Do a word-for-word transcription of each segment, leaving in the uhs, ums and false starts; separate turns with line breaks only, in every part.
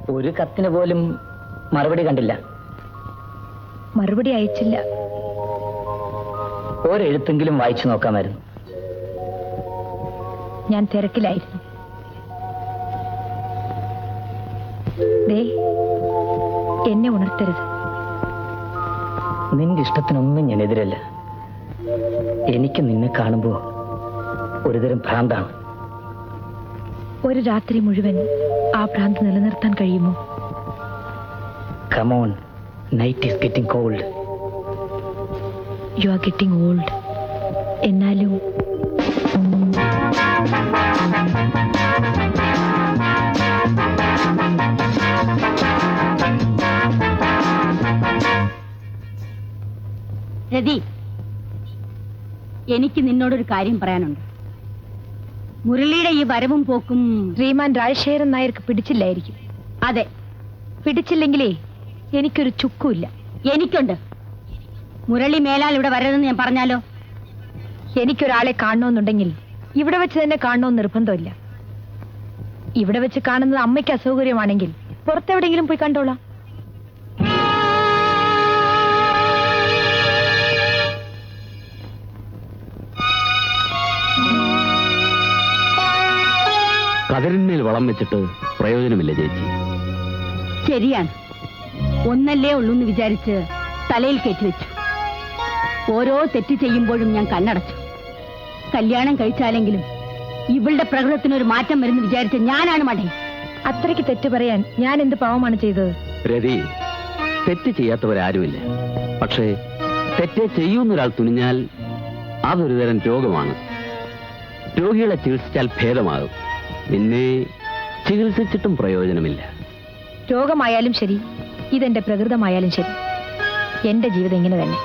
ഒരു കത്തിന് പോലും മറുപടി കണ്ടില്ല.
മറുപടി അയച്ചില്ല.
ഒരെഴുത്തെങ്കിലും വായിച്ചു നോക്കാമായിരുന്നു.
ഞാൻ തിരക്കിലായിരുന്നു. ദേ, എന്നെ ഉണർത്തരുത്.
നിന്റെ ഇഷ്ടത്തിനൊന്നും ഞാൻ എതിരല്ല. എനിക്ക് നിന്നെ കാണുമ്പോ ഒരുതരം ഭ്രാന്താണ്.
ഒരു രാത്രി മുഴുവൻ ആ ഭ്രാന്ത് നിലനിർത്താൻ കഴിയുമോ?
Come on, night is getting cold.
You are getting old. എന്നാലും
രതി, എനിക്ക് നിന്നോടൊരു കാര്യം പറയാനുണ്ട്. മുരളിയുടെ ഈ വരവും പോക്കും
ശ്രീമാൻ രാജശേഖരൻ നായർക്ക് പിടിച്ചില്ലായിരിക്കും.
അതെ,
പിടിച്ചില്ലെങ്കിലേ എനിക്കൊരു ചുക്കുമില്ല.
എനിക്കുണ്ട്. മുരളി മേലാൽ ഇവിടെ വരരുതെന്ന് ഞാൻ പറഞ്ഞാലോ?
എനിക്കൊരാളെ കാണണമെന്നുണ്ടെങ്കിൽ ഇവിടെ വെച്ച് തന്നെ കാണണമെന്ന് നിർബന്ധമില്ല. ഇവിടെ വെച്ച് കാണുന്നത് അമ്മയ്ക്ക് അസൗകര്യമാണെങ്കിൽ പുറത്തെവിടെയെങ്കിലും പോയി കണ്ടോളാം.
കതിരിന്മേൽ വളം വെച്ചിട്ട് പ്രയോജനമില്ല ചേച്ചി.
ശരിയാണ്. ഒന്നല്ലേ ഉള്ളൂന്ന് വിചാരിച്ച് തലയിൽ കെട്ടിവെച്ചു. ഓരോ തെറ്റ് ചെയ്യുമ്പോഴും ഞാൻ കണ്ണടച്ചു. കല്യാണം കഴിച്ചാലെങ്കിലും ഇവളുടെ പ്രകൃതത്തിനൊരു മാറ്റം വരുന്നു വിചാരിച്ച ഞാനാണ് മടേ.
അത്രയ്ക്ക് തെറ്റ് പറയാൻ ഞാൻ എന്ത് പാവമാണ് ചെയ്തത്?
രതി, തെറ്റ് ചെയ്യാത്തവരാരുമില്ല. പക്ഷേ തെറ്റ് ചെയ്യുന്നൊരാൾ തുനിഞ്ഞാൽ അതൊരു തരം രോഗമാണ്. രോഗികളെ ചികിത്സിച്ചാൽ ഭേദമാകും. നിന്നെ ചികിത്സിച്ചിട്ടും പ്രയോജനമില്ല.
രോഗമായാലും ശരി, ഇതെന്റെ പ്രകൃതമായാലും ശരി, എന്റെ ജീവിതം ഇങ്ങനെ തന്നെ.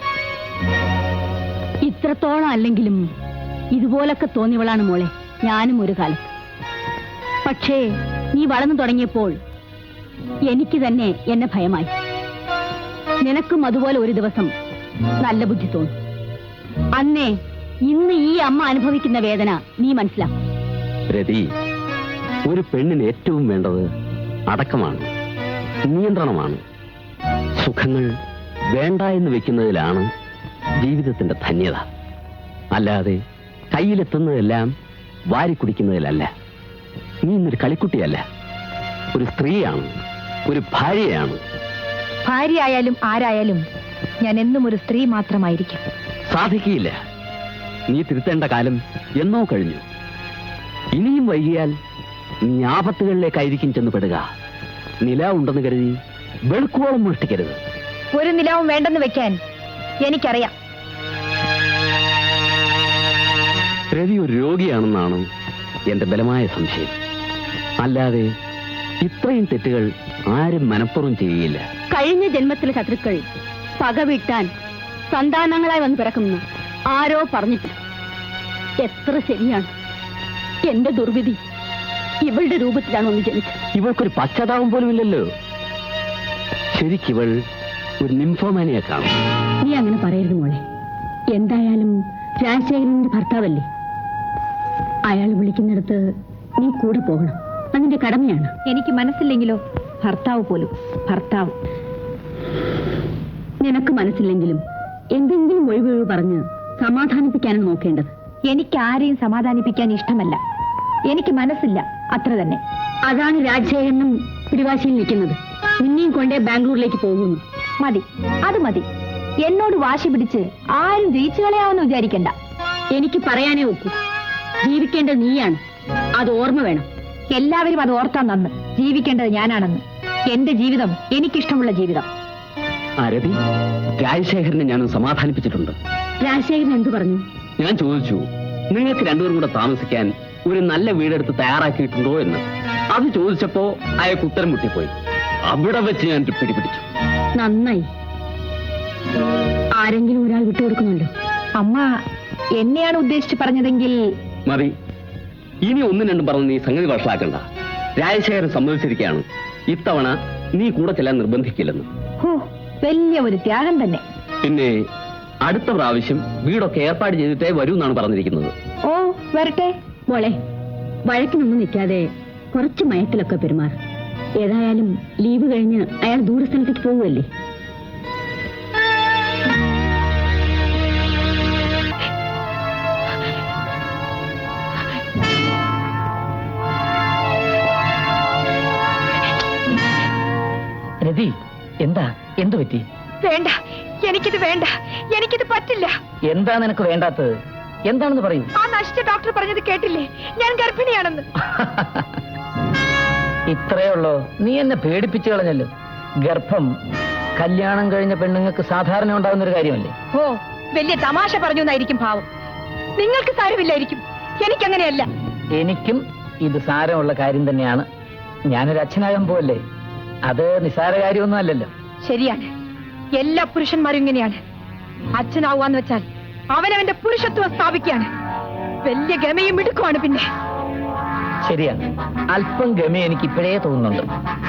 ഇത്രത്തോളം അല്ലെങ്കിലും ഇതുപോലൊക്കെ തോന്നിയവളാണ് മോളെ ഞാനും ഒരു കാലത്ത്. പക്ഷേ നീ വളർന്നു തുടങ്ങിയപ്പോൾ എനിക്ക് തന്നെ എന്നെ ഭയമായി. നിനക്കും അതുപോലെ ഒരു ദിവസം നല്ല ബുദ്ധി തോന്നും. അന്നേ ഇന്ന് ഈ അമ്മ അനുഭവിക്കുന്ന വേദന നീ മനസ്സിലാക്കും.
രതി, ഒരു പെണ്ണിന് ഏറ്റവും വേണ്ടത് അടക്കമാണ്, നിയന്ത്രണമാണ്. സുഖങ്ങൾ വേണ്ട എന്ന് വെക്കുന്നതിലാണ് ജീവിതത്തിന്റെ ധന്യത. അല്ലാതെ കയ്യിലെത്തുന്നതെല്ലാം വാരി കുടിക്കുന്നതിലല്ല. നീ ഇന്നൊരു കളിക്കുട്ടിയല്ല, ഒരു സ്ത്രീയാണ്, ഒരു ഭാര്യയാണ്.
ഭാര്യ ആയാലും ആരായാലും ഞാൻ എന്നും ഒരു സ്ത്രീ മാത്രമായിരിക്കും.
സാധിക്കില്ല. നീ തിരുത്തേണ്ട കാലം എന്നോ കഴിഞ്ഞു. ഇനിയും വൈകിയാൽ നീ ആപത്തുകളിലേക്കായിരിക്കും ചെന്ന് പെടുക. നില ഉണ്ടെന്ന് കരുതി വെളുക്കോളം മോഷ്ടിക്കരുത്.
ഒരു നിലവും വേണ്ടെന്ന് വെക്കാൻ എനിക്കറിയാം.
രവി ഒരു രോഗിയാണെന്നാണ് എന്റെ ബലമായ സംശയം. അല്ലാതെ ഇത്രയും തെറ്റുകൾ ആരും മനഃപൂർവ്വം ചെയ്യുകയില്ല.
കഴിഞ്ഞ ജന്മത്തിലെ ശത്രുക്കൾ പകവീട്ടാൻ സന്താനങ്ങളായി വന്ന് പിറക്കുന്നു ആരോ പറഞ്ഞിട്ട്. എത്ര ശരിയാണ്. എന്റെ ദുർവിധി ഇവളുടെ രൂപത്തിലാണ് ഒന്ന് ജനിച്ചത്.
ഇവൾക്കൊരു പശ്ചാത്താപം പോലും ഇല്ലല്ലോ. ശരിക്കിവൾ ഒരു നിംഫോമാനിയെ കാണും.
നീ അങ്ങനെ പറയരുത് മോളെ. എന്തായാലും രാജശേഖരന്റെ ഭർത്താവല്ലേ. അയാൾ വിളിക്കുന്നിടത്ത് നീ കൂടെ പോകണം. അതിന്റെ കടമയാണ്.
എനിക്ക് മനസ്സില്ലെങ്കിലോ? ഭർത്താവ് പോലും ഭർത്താവ്.
നിനക്ക് മനസ്സില്ലെങ്കിലും എന്തെങ്കിലും ഒഴിവൊഴിവ് പറഞ്ഞ് സമാധാനിപ്പിക്കാനാണ് നോക്കേണ്ടത്.
എനിക്ക് ആരെയും സമാധാനിപ്പിക്കാൻ ഇഷ്ടമല്ല. എനിക്ക് മനസ്സില്ല, അത്ര തന്നെ.
അതാണ് രാജശേഖരനും പിടിവാശിയിൽ നിൽക്കുന്നത്. നിന്നെയും കൊണ്ടേ ബാംഗ്ലൂരിലേക്ക് പോകുന്നു.
മതി, അത് മതി. എന്നോട് വാശി പിടിച്ച് ആരും ജയിച്ചു കളയാമെന്ന് വിചാരിക്കണ്ട.
എനിക്ക് പറയാനേ ഒക്കൂ. ജീവിക്കേണ്ടത് നീയാണ്, അത് ഓർമ്മ വേണം.
എല്ലാവരും അത് ഓർത്താൻ നന്ന്. ജീവിക്കേണ്ടത് ഞാനാണെന്ന്. എന്റെ ജീവിതം എനിക്കിഷ്ടമുള്ള ജീവിതം.
ആരതി, രാജശേഖരനെ ഞാനും സമാധാനിപ്പിച്ചിട്ടുണ്ട്.
രാജശേഖരൻ എന്തു പറഞ്ഞു?
ഞാൻ ചോദിച്ചു, നിങ്ങൾക്ക് രണ്ടുപേരും കൂടെ താമസിക്കാൻ ഒരു നല്ല വീടെടുത്ത് തയ്യാറാക്കിയിട്ടുണ്ടോ എന്ന്. അത് ചോദിച്ചപ്പോ അയാൾക്ക് ഉത്തരം മുട്ടിപ്പോയി. അവിടെ വെച്ച് ഞാൻ പിടിപിടിച്ചു.
നന്നായി. ആരെങ്കിലും ഒരാൾ വിട്ടുകൊടുക്കുന്നുണ്ടോ?
അമ്മ എന്നെയാണ് ഉദ്ദേശിച്ച് പറഞ്ഞതെങ്കിൽ
മതി. ഇനി ഒന്നും രണ്ടും പറഞ്ഞ് നീ സംഗതി വഷളാക്കണ്ട. രാജശേഖരൻ സമ്മതിച്ചിരിക്കുകയാണ് ഇത്തവണ നീ കൂടെ ചെല്ലാൻ നിർബന്ധിക്കില്ലെന്ന്.
ഹോ, വലിയ ഒരു ത്യാഗം തന്നെ.
പിന്നെ അടുത്ത പ്രാവശ്യം വീടൊക്കെ ഏർപ്പാട് ചെയ്തിട്ടേ വരൂ എന്നാണ് പറഞ്ഞിരിക്കുന്നത്.
ഓ, വരട്ടെ.
മോളെ, വഴക്കിനൊന്നും നിൽക്കാതെ കുറച്ച് മയത്തിലൊക്കെ പെരുമാറും. ഏതായാലും ലീവ് കഴിഞ്ഞ് അയാൾ ദൂരസ്ഥലത്തേക്ക് പോവുമല്ലേ?
രതി, എന്താ എന്തു പറ്റി?
വേണ്ട, എനിക്കിത് വേണ്ട, എനിക്കിത് പറ്റില്ല.
എന്താ നിനക്ക് വേണ്ടാത്തത്? എന്താണെന്ന് പറയൂ.
ആ നശിച്ച ഡോക്ടർ പറഞ്ഞത് കേട്ടില്ലേ? ഞാൻ ഗർഭിണിയാണെന്ന്.
ഇത്രയേ ഉള്ളോ? നീ എന്നെ പേടിപ്പിച്ചു കളഞ്ഞല്ലോ. ഗർഭം കല്യാണം കഴിഞ്ഞ പെണ്ണുങ്ങൾക്ക് സാധാരണ ഉണ്ടാകുന്ന ഒരു കാര്യമല്ലേ?
ഓ, വലിയ തമാശ പറഞ്ഞു എന്നായിരിക്കും ഭാവം. നിങ്ങൾക്ക് സാരമില്ലായിരിക്കും, എനിക്കങ്ങനെയല്ല.
എനിക്കും ഇത് സാരമുള്ള കാര്യം തന്നെയാണ്. ഞാനൊരു അച്ഛനാകാൻ പോവല്ലേ, അത് നിസ്സാര കാര്യമൊന്നും അല്ലല്ലോ.
ശരിയാണ്, എല്ലാ പുരുഷന്മാരും ഇങ്ങനെയാണ്. അച്ഛനാവാന്ന് വെച്ചാൽ അവനവന്റെ പുരുഷത്വം സ്ഥാപിക്കുകയാണ്. വലിയ ഗമയും മിടുക്കുമാണ്. പിന്നെ
ശരിയാണ്, അല്പം ഗമ എനിക്ക് ഇപ്പോഴേ തോന്നുന്നുണ്ട്.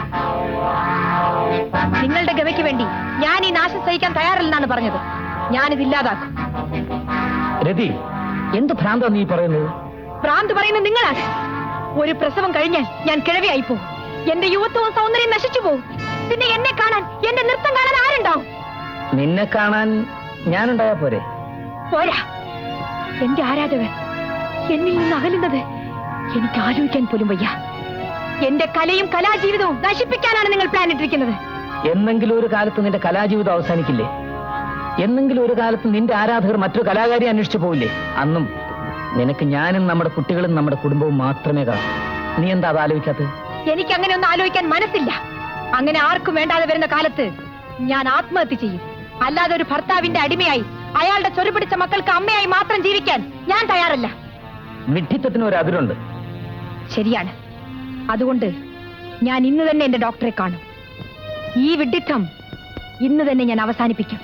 നിങ്ങളുടെ ഗമയ്ക്ക് വേണ്ടി ഞാൻ ഈ നാശം സഹിക്കാൻ തയ്യാറല്ലെന്നാണ് പറഞ്ഞത്. ഞാനിത് ഇല്ലാതാക്കും.
രതി, എന്ത് ഭ്രാന്താ നീ പറയുന്നത്?
ഭ്രാന്ത് പറയുന്നത് നിങ്ങളാണ്. ഒരു പ്രസവം കഴിഞ്ഞാൽ ഞാൻ കിഴവിയായി പോകും. എന്റെ യുവത്വവും സൗന്ദര്യം നശിച്ചു പോകും. പിന്നെ എന്നെ കാണാൻ, എന്റെ നൃത്തം കാണാൻ ആരുണ്ടാവും?
നിന്നെ കാണാൻ ഞാനുണ്ടായാ പോരെ?
പോരാ, എന്റെ ആരാധകർ എന്നിൽ നിന്ന് അകലുന്നത് എനിക്ക് ആലോചിക്കാൻ പോലും വയ്യ. എന്റെ കലയും കലാജീവിതവും നശിപ്പിക്കാനാണ് നിങ്ങൾ പ്ലാൻ ഇട്ടിരിക്കുന്നത്.
എന്നെങ്കിലും ഒരു കാലത്ത് നിന്റെ കലാജീവിതം അവസാനിക്കില്ലേ? എന്നെങ്കിലും ഒരു കാലത്ത് നിന്റെ ആരാധകർ മറ്റൊരു കലാകാരി അന്വേഷിച്ചു പോവില്ലേ? അന്നും നിനക്ക് ഞാനും നമ്മുടെ കുട്ടികളും നമ്മുടെ കുടുംബവും മാത്രമേ കാണൂ. നീ എന്താ അത് ആലോചിക്കാത്തത്?
എനിക്ക് അങ്ങനെ ഒന്നും ആലോചിക്കാൻ മനസ്സില്ല. അങ്ങനെ ആർക്കും വേണ്ടാതെ വരുന്ന കാലത്ത് ഞാൻ ആത്മഹത്യ ചെയ്യും. അല്ലാതെ ഒരു ഭർത്താവിന്റെ അടിമയായി അയാളുടെ ചൊരുപിടിച്ച മക്കൾക്ക് അമ്മയായി മാത്രം ജീവിക്കാൻ ഞാൻ തയ്യാറല്ല.
വിഡ്ഢിത്തത്തിന് ഒരു അതിരുണ്ട്.
ശരിയാണ്, അതുകൊണ്ട് ഞാൻ ഇന്ന് തന്നെ എന്റെ ഡോക്ടറെ കാണും. ഈ വിഡ്ഢിത്തം ഇന്ന് തന്നെ ഞാൻ അവസാനിപ്പിക്കും.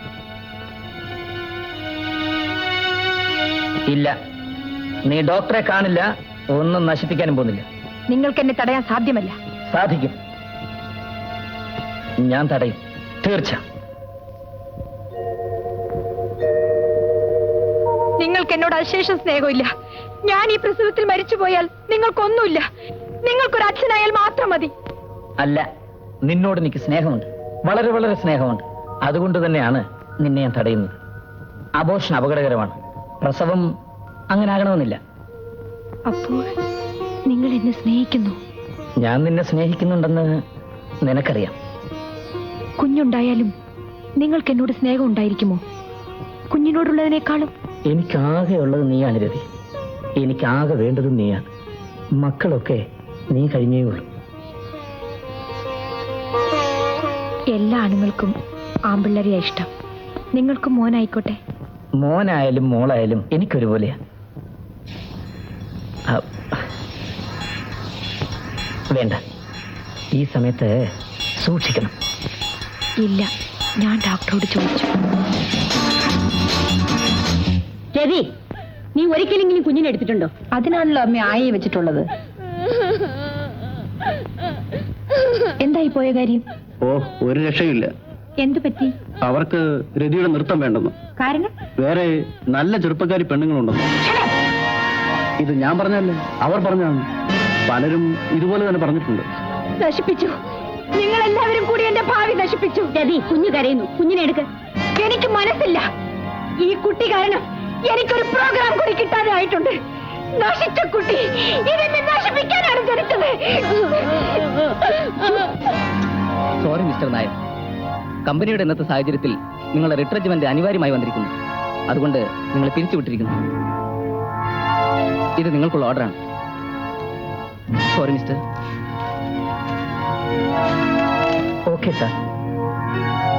ഇല്ല, നീ ഡോക്ടറെ കാണില്ല, ഒന്നും നശിപ്പിക്കാനും പോകുന്നില്ല.
നിങ്ങൾക്ക് എന്നെ തടയാൻ സാധ്യമല്ല.
സാധിക്കും, ഞാൻ തടയും, തീർച്ച.
നിങ്ങൾക്ക് എന്നോട് അശേഷം സ്നേഹമില്ല. ഞാൻ ഈ പ്രസവത്തിൽ മരിച്ചുപോയാൽ നിങ്ങൾക്കൊന്നുമില്ല. നിങ്ങൾക്കൊരു അച്ഛനായാൽ മാത്രം മതി.
അല്ല, നിന്നോട് എനിക്ക് സ്നേഹമുണ്ട്, വളരെ വളരെ സ്നേഹമുണ്ട്. അതുകൊണ്ട് തന്നെയാണ് നിന്നെ ഞാൻ തടയുന്നത്. അബോർഷൻ അപകടകരമാണ്. പ്രസവം അങ്ങനെ ആകണമെന്നില്ല.
അപ്പോൾ നിങ്ങൾ എന്നെ സ്നേഹിക്കുന്നു?
ഞാൻ നിന്നെ സ്നേഹിക്കുന്നുണ്ടെന്ന് നിനക്കറിയാം.
കുഞ്ഞുണ്ടായാലും നിങ്ങൾക്ക് എന്നോട് സ്നേഹം ഉണ്ടായിരിക്കുമോ? കുഞ്ഞിനോടുള്ളതിനേക്കാളും
എനിക്കാകെ ഉള്ളത് നീയാണ് രതി. എനിക്കാകെ വേണ്ടതും നീയാണ്. മക്കളൊക്കെ നീ കഴിഞ്ഞേ ഉള്ളൂ.
എല്ലാ ആണുങ്ങൾക്കും ആമ്പിള്ളരെയാ ഇഷ്ടം. നിങ്ങൾക്കും മോനായിക്കോട്ടെ.
മോനായാലും മോളായാലും എനിക്കൊരുപോലെയാ. വേണ്ട, ഈ സമയത്ത് സൂക്ഷിക്കണം.
ഇല്ല, ഞാൻ ഡോക്ടറോട് ചോദിച്ചു.
രവി, നീ ഒരിക്കലെങ്കിലും കുഞ്ഞിനെ എടുത്തിട്ടുണ്ടോ?
അതിനാണല്ലോ അമ്മ ആയി വെച്ചിട്ടുള്ളത്. എന്തായി പോയ കാര്യം?
ഓ, ഒരു രക്ഷയില്ല.
എന്തു പറ്റി?
അവർക്ക് രതിയുടെ നൃത്തം വേണ്ടെന്ന്.
കാരണം?
വേറെ നല്ല ചെറുപ്പക്കാരി പെണ്ണുങ്ങളുണ്ടെന്ന്. ഇത് ഞാൻ പറഞ്ഞല്ലേ, അവർ പറഞ്ഞാണ്. പലരും ഇതുപോലെ തന്നെ പറഞ്ഞിട്ടുണ്ട്.
നശിപ്പിച്ചു. നിങ്ങൾ എല്ലാവരും കൂടി എന്റെ ഭാവി നശിപ്പിച്ചു.
രവി, കുഞ്ഞു കരയുന്നു, കുഞ്ഞിനെ എടുക്ക്.
എനിക്ക് മനസ്സില്ല. ഈ കുട്ടി കാരണം എനിക്കൊരു പ്രോഗ്രാം കൂടി കിട്ടാതെ ആയിട്ടുണ്ട്. നശിച്ച കുട്ടി ഇതെന്നെ നശിപ്പിക്കാനാണ് ജനിച്ചത്.
സോറി മിസ്റ്റർ നായർ, കമ്പനിയുടെ ഇന്നത്തെ സാഹചര്യത്തിൽ നിങ്ങളുടെ റിട്രജ്മെന്റ് അനിവാര്യമായി വന്നിരിക്കുന്നു. അതുകൊണ്ട് നിങ്ങൾ പിരിച്ചുവിട്ടിരിക്കുന്നു. ഇത് നിങ്ങൾക്കുള്ള ഓർഡറാണ്. Sorry mister. Okay sir.